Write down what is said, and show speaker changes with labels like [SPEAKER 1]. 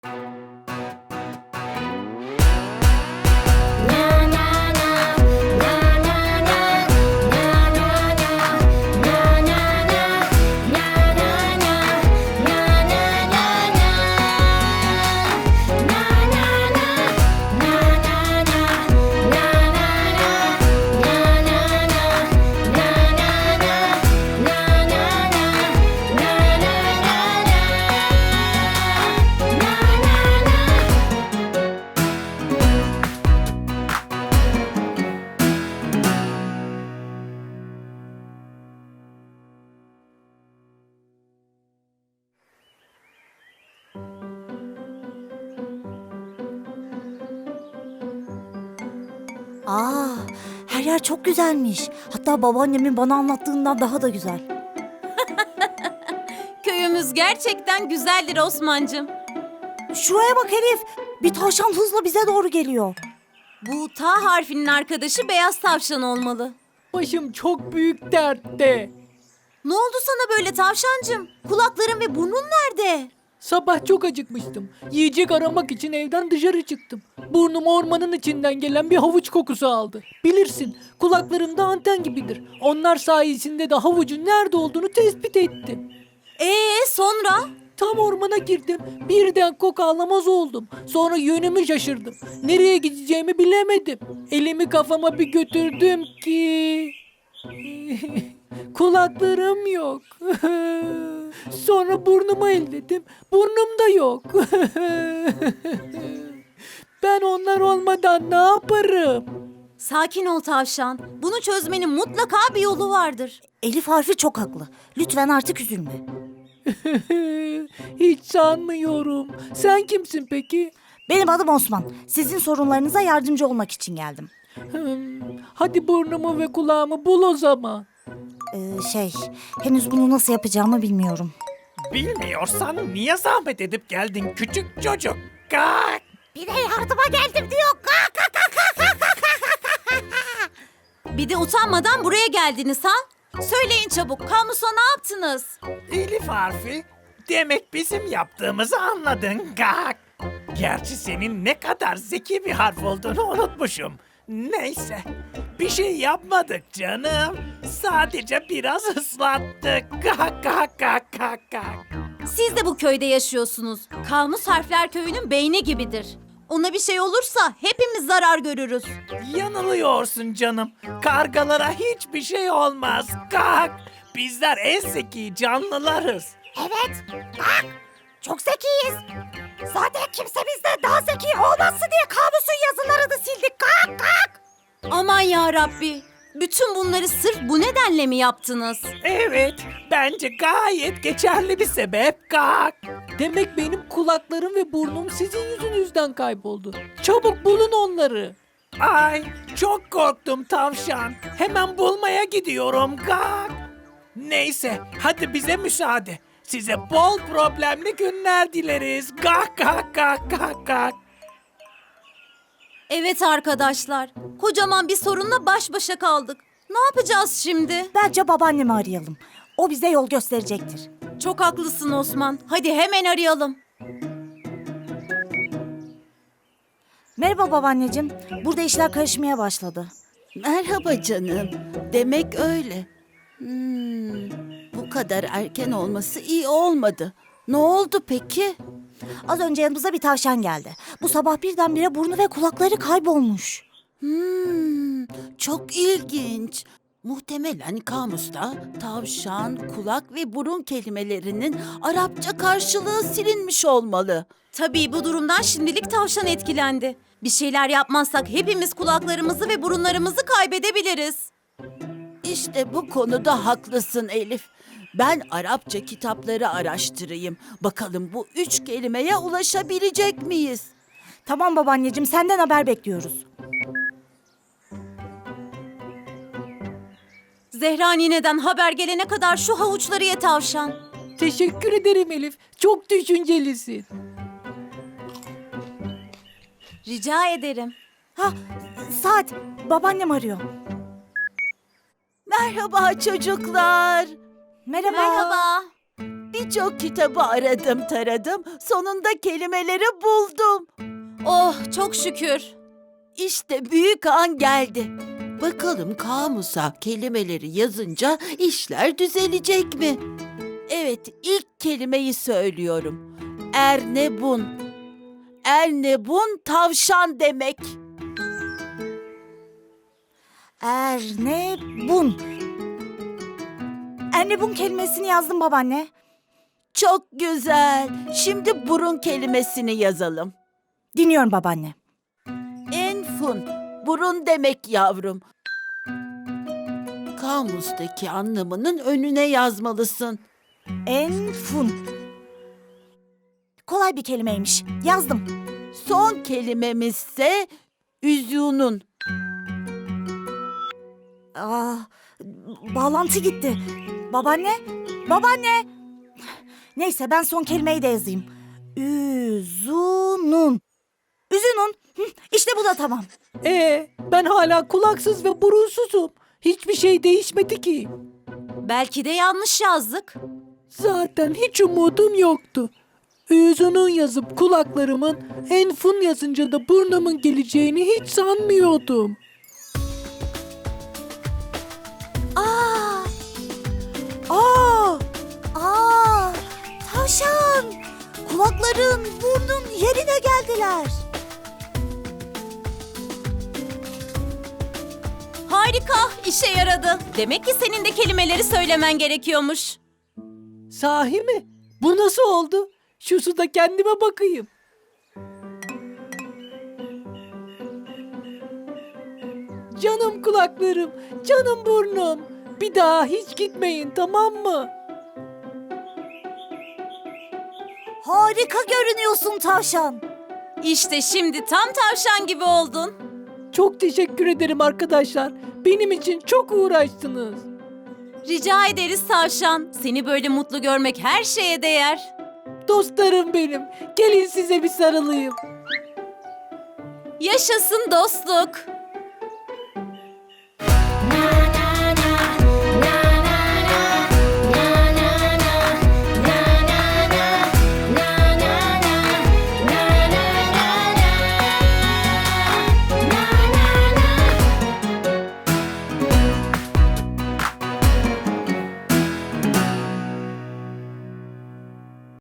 [SPEAKER 1] Aa, her yer çok güzelmiş. Hatta babaannemin bana anlattığından daha da güzel.
[SPEAKER 2] Köyümüz gerçekten güzeldir Osman'cığım.
[SPEAKER 1] Şuraya bak Elif. Bir tavşan hızla bize doğru geliyor.
[SPEAKER 2] Bu T harfinin arkadaşı beyaz tavşan olmalı.
[SPEAKER 3] Başım çok büyük dertte.
[SPEAKER 2] Ne oldu sana böyle tavşancığım? Kulakların ve burnun nerede?
[SPEAKER 3] Sabah çok acıkmıştım. Yiyecek aramak için evden dışarı çıktım. Burnum ormanın içinden gelen bir havuç kokusu aldı. Bilirsin, kulaklarım da anten gibidir. Onlar sayesinde de havucun nerede olduğunu tespit ettim.
[SPEAKER 2] Sonra?
[SPEAKER 3] Tam ormana girdim. Birden koku alamaz oldum. Sonra yönümü şaşırdım. Nereye gideceğimi bilemedim. Elimi kafama bir götürdüm ki... Kulaklarım yok. Sonra burnumu elledim. Burnum da yok. Ben onlar olmadan ne yaparım?
[SPEAKER 2] Sakin ol tavşan. Bunu çözmenin mutlaka bir yolu vardır.
[SPEAKER 1] Elif harfi çok haklı. Lütfen artık üzülme.
[SPEAKER 3] Hiç sanmıyorum. Sen kimsin peki?
[SPEAKER 1] Benim adım Osman. Sizin sorunlarınıza yardımcı olmak için geldim.
[SPEAKER 3] Hadi burnumu ve kulağımı bul o zaman.
[SPEAKER 1] Henüz bunu nasıl yapacağımı bilmiyorum.
[SPEAKER 4] Bilmiyorsan niye zahmet edip geldin küçük çocuk? Kalk!
[SPEAKER 1] Bir de yardıma geldim diyor.
[SPEAKER 2] Bir de utanmadan buraya geldiniz ha? Söyleyin çabuk. Kamusa ne yaptınız?
[SPEAKER 4] Elif harfi. Demek bizim yaptığımızı anladın. Kalk! Gerçi senin ne kadar zeki bir harf olduğunu unutmuşum. Neyse, bir şey yapmadık canım. Sadece biraz ıslattık. Kalk kalk kalk kalk kalk.
[SPEAKER 2] Siz de bu köyde yaşıyorsunuz. Kamus Harfler Köyü'nün beyni gibidir. Ona bir şey olursa hepimiz zarar görürüz.
[SPEAKER 4] Yanılıyorsun canım. Kargalara hiçbir şey olmaz. Kalk! Bizler en zeki canlılarız.
[SPEAKER 1] Evet. Bak. Çok zekiyiz. Zaten kimse bizden daha zeki olmasın diye kamusun yazılarını sildik. Kalk.
[SPEAKER 2] Aman ya Rabbi. Bütün bunları sırf bu nedenle mi yaptınız?
[SPEAKER 4] Evet, bence gayet geçerli bir sebep. Kalk!
[SPEAKER 3] Demek benim kulaklarım ve burnum sizin yüzünüzden kayboldu. Çabuk bulun onları.
[SPEAKER 4] Ay, çok korktum tavşan. Hemen bulmaya gidiyorum. Kalk! Neyse, hadi bize müsaade. Size bol problemli günler dileriz. Kalk kalk kalk kalk kalk.
[SPEAKER 2] Evet arkadaşlar. Kocaman bir sorunla baş başa kaldık. Ne yapacağız şimdi?
[SPEAKER 1] Bence babaannemi arayalım. O bize yol gösterecektir.
[SPEAKER 2] Çok haklısın Osman. Hadi hemen arayalım.
[SPEAKER 1] Merhaba babaanneciğim. Burada işler karışmaya başladı.
[SPEAKER 5] Merhaba canım. Demek öyle. Bu kadar erken olması iyi olmadı. Ne oldu peki?
[SPEAKER 1] Az önce yanımıza bir tavşan geldi. Bu sabah birdenbire burnu ve kulakları kaybolmuş.
[SPEAKER 5] Çok ilginç. Muhtemelen kamusta tavşan, kulak ve burun kelimelerinin Arapça karşılığı silinmiş olmalı.
[SPEAKER 2] Tabii bu durumdan şimdilik tavşan etkilendi. Bir şeyler yapmazsak hepimiz kulaklarımızı ve burunlarımızı kaybedebiliriz.
[SPEAKER 5] İşte bu konuda haklısın Elif. Ben Arapça kitapları araştırayım. Bakalım bu 3 kelimeye ulaşabilecek miyiz?
[SPEAKER 1] Tamam babaanneciğim, senden haber bekliyoruz.
[SPEAKER 2] Zehra nineden haber gelene kadar şu havuçları ye tavşan.
[SPEAKER 3] Teşekkür ederim Elif. Çok düşüncelisin.
[SPEAKER 2] Rica ederim.
[SPEAKER 1] Saat, babaannem arıyor.
[SPEAKER 5] Merhaba çocuklar.
[SPEAKER 1] Merhaba.
[SPEAKER 2] Merhaba.
[SPEAKER 5] Birçok kitabı aradım taradım. Sonunda kelimeleri buldum.
[SPEAKER 2] Oh, çok şükür.
[SPEAKER 5] İşte büyük an geldi. Bakalım kamusa kelimeleri yazınca işler düzelecek mi? Evet, ilk kelimeyi söylüyorum. Ernebun. Ernebun tavşan demek.
[SPEAKER 1] Ernebun. Ernebun kelimesini yazdım babaanne.
[SPEAKER 5] Çok güzel. Şimdi burun kelimesini yazalım.
[SPEAKER 1] Dinliyorum babaanne.
[SPEAKER 5] Enfun. Burun demek yavrum. Kamustaki anlamının önüne yazmalısın.
[SPEAKER 1] Enfun. Kolay bir kelimeymiş. Yazdım.
[SPEAKER 5] Son kelimemizse üzünün.
[SPEAKER 1] Aa, bağlantı gitti. Babaanne, babaanne. Neyse ben son kelimeyi de yazayım. Üzünün. Üzünün. İşte bu da tamam.
[SPEAKER 3] Ben hala kulaksız ve burunsuzum. Hiçbir şey değişmedi ki.
[SPEAKER 2] Belki de yanlış yazdık.
[SPEAKER 3] Zaten hiç umudum yoktu. Üzünün yazıp kulaklarımın, enfun yazınca da burnumun geleceğini hiç sanmıyordum.
[SPEAKER 1] Aa, tavşan. Kulakların, burnun yerine geldiler.
[SPEAKER 2] Harika, işe yaradı. Demek ki senin de kelimeleri söylemen gerekiyormuş.
[SPEAKER 3] Sahi mi? Bu nasıl oldu? Şu suda kendime bakayım. Canım kulaklarım, canım burnum. Bir daha hiç gitmeyin, tamam mı?
[SPEAKER 1] Harika görünüyorsun tavşan.
[SPEAKER 2] İşte şimdi tam tavşan gibi oldun.
[SPEAKER 3] Çok teşekkür ederim arkadaşlar. Benim için çok uğraştınız.
[SPEAKER 2] Rica ederiz tavşan. Seni böyle mutlu görmek her şeye değer.
[SPEAKER 3] Dostlarım benim. Gelin size bir sarılayım.
[SPEAKER 2] Yaşasın dostluk.